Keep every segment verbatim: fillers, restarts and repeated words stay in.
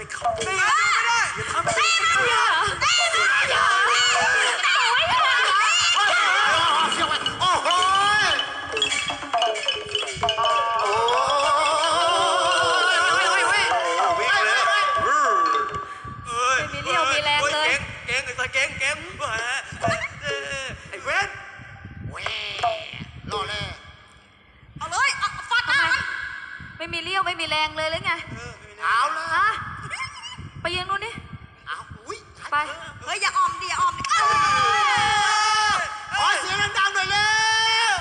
ไปเข้าไม่ได้อย่าทำแบบนี้ไม่ได้ไม่ได้โอ้โหโอ้ยวิ่งเลยไม่มีเรี่ยวมีแรงเลยเก่งไอ้ตาเก่งเก่งไอ้เว้นแหวรอแน่เอาเลยฟัดทำไมไม่มีเรี่ยวไม่มีแรงเลยหรือไงเอาเลยฮะไปยิงนู่นดิเอาอุ้ยไปเฮ้ยอย่าออมดิอย่าออมดิขอเสียงดังๆหน่อยเร็ว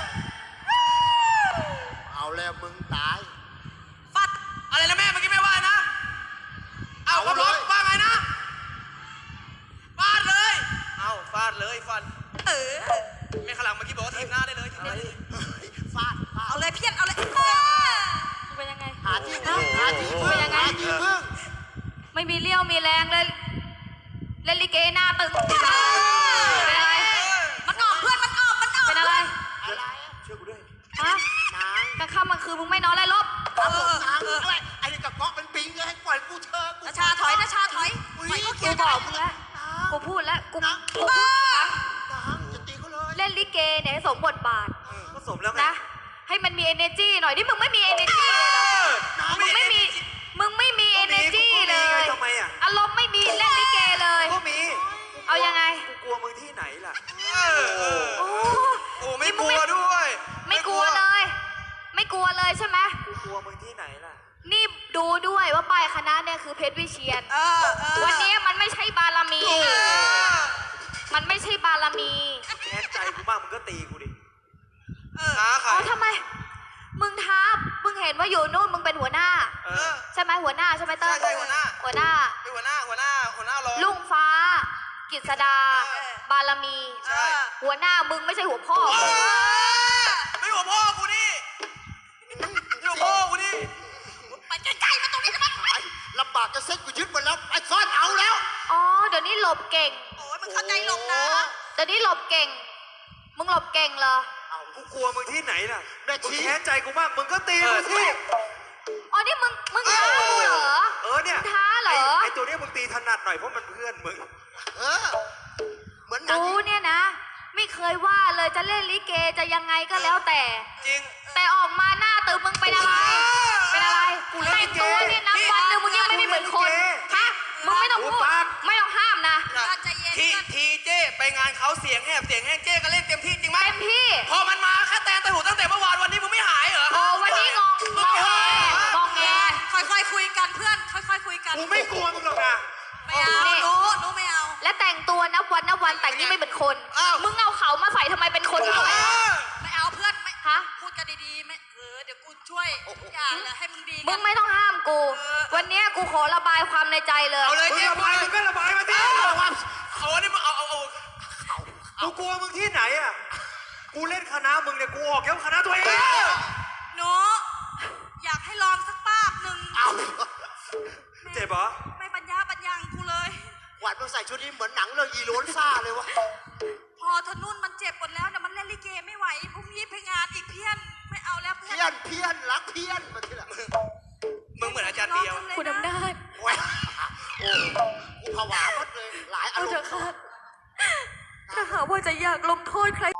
เอาแล้วมึงตายฟัดอะไรนะแม่เมื่อกี้แม่ว่านะเอาครับรถว่าไงนะฟาดเลยเอาฟาดเลยฟันเออแม่ขลังเมื่อกี้บอกว่าทีมหน้าได้เลยฟาดเอาเลยเพี้ยนเอาเลยเป็นยังไงหาที่พึ่งหาที่พึ่งหาที่พึ่งไม่มีเรี่ยวมีแรงเลยเล่นลิเกหน้าตึงเป็นอะไรมันออกเพื่อนมันออกมันออกเป็นอะไรอะไรช่วยกูด้วยฮะนางกลางค่ำกลางคืนมึงไม่นอนเลยลบเออเอออะไรไอ้นี่กับก๊อกเป็นปิงเลยให้ปล่อยกูเชิญนาชาถอยนาชาถอยปล่อยก็เขียนบอกมึงแล้วกูพูดแล้วกูกูพูดนางจะตีเขาเลยเล่นลิเกเนี่ยสมบทบาทก็สมแล้วนะให้มันมี energy หน่อยที่มึงไม่มี energy เลยเหรอมึงไม่มีมึงไม่มี energy เลยทำไมอ่ะอารมณ์ไม่มีเล่นลิเกเลยก็มีเอายังไงกูกลัวมึงที่ไหนล่ะโอ้โอ้ไม่กลัวด้วยไม่กลัวเลยไม่กลัวเลยใช่ไหมกูกลัวมึงที่ไหนล่ะนี่ดูด้วยว่าปลายคณะเนี่ยคือเพชรวิเชียรวันนี้มันไม่ใช่บารมีมันไม่ใช่บารมีแค้นใจกูบ้างมึงก็ตีกูดิท้าใครอ๋อทำไมมึงท้ามึงเห็นว่าอยู่นู่นมึงเป็นหัวหน้าใช่ไหมหัวหน้าใช่ไหมเต้ยใช่หัวหน้าหัวหน้าเป็นหัวหน้าหัวหน้าหัวหน้ารองลุงฟ้ากฤษดาบารมีหัวหน้ามึงไม่ใช่หัวพ่อไม่หัวพ่อกูนี่ไม่หัวพ่อกูนี่ไปใกล้ๆมาตรงนี้ทำไมลำบากจะเซ็ตกูยึดหมดแล้วไอ้ซ่อนเอาแล้วอ๋อเดี๋ยวนี้หลบเก่งโอ้ยมึงเข้าใจหลบนะเดี๋ยวนี้หลบเก่งมึงหลบเก่งเหรอเอากูกลัวมึงที่ไหนล่ะมึงแค้นใจกูมากมึงก็ตีกูสิอ๋อนี่มึงมึงท้ากูเหรอเออเนี่ยท้าเหรอไอตัวนี้มึงตีถนัดหน่อยเพราะมันเพื่อนมึงเออเหมือนกูเนี่ยนะไม่เคยว่าเลยจะเล่นลิเกจะยังไงก็แล้วแต่จริงแต่ออกมาหน้าตึงมึงเป็นอะไรเป็นอะไรแต่งตัวเนี่ยนับวันนึงมึงยังไม่เหมือนคนฮะมึงไม่ต้องพูดไม่ต้องห้ามนะทีทีเจ้ไปงานเขาเสียงแหบเสียงแห้งเจ้ก็เล่นเต็มที่จริงไหมเต็มที่พอมันมาแค่แต่แต่หูตั้งแต่เมื่อวานวันนี้มึงไม่หายเหรอโอ้วันนี้งงงงแงงงแงค่อยๆคุยกันเพื่อนค่อยๆคุยกันกูไม่กลัวมึงหรอกนะไม่เอาหนูหนูไม่เอาและแต่งตัวนับวันนับวันแต่งนี่ไม่เป็นคนมึงเอาเขามาใส่ทำไมเป็นคนทำไมไม่เอาเพื่อนไม่ฮะพูดกันดีๆไม่เออเดี๋ยวกูช่วยทุกอย่างเลยให้มึงดีมึงไม่ต้องห้ามกูวันนี้กูขอระบายความในใจเลยเอาเลยเจ๊ระบายมึงก็ระบายมาที่เอาอันนี้มึงเอาเอาเอากูกลัวมึงที่ไหนอ่ะกูเล่นคณะมึงเนี่ยกูออกแค่คณะตัวเองหนูอยากให้ลองสักป้าบหนึ่งเจ็บเหรอไม่ปัญญาปัญญังกูเลยหวานมึงใส่ชุดนี้เหมือนหนังเรื่องอีโรนซ่าเลยวะพอทนุ่นมันเจ็บหมดแล้วนะมันเล่นลิเกไม่ไหวพรุ่งนี้ไปงานอีกเพี้ยนไม่เอาแล้วเพี้ยนเพี้ยนรักเพี้ยนมาที่ละมึงเหมือนอาจารย์เดียวคุณอำนาจโอ้กูผวาหมดเลยหลายอารมณ์ถ้าหากว่าจะอยากลงโทษใคร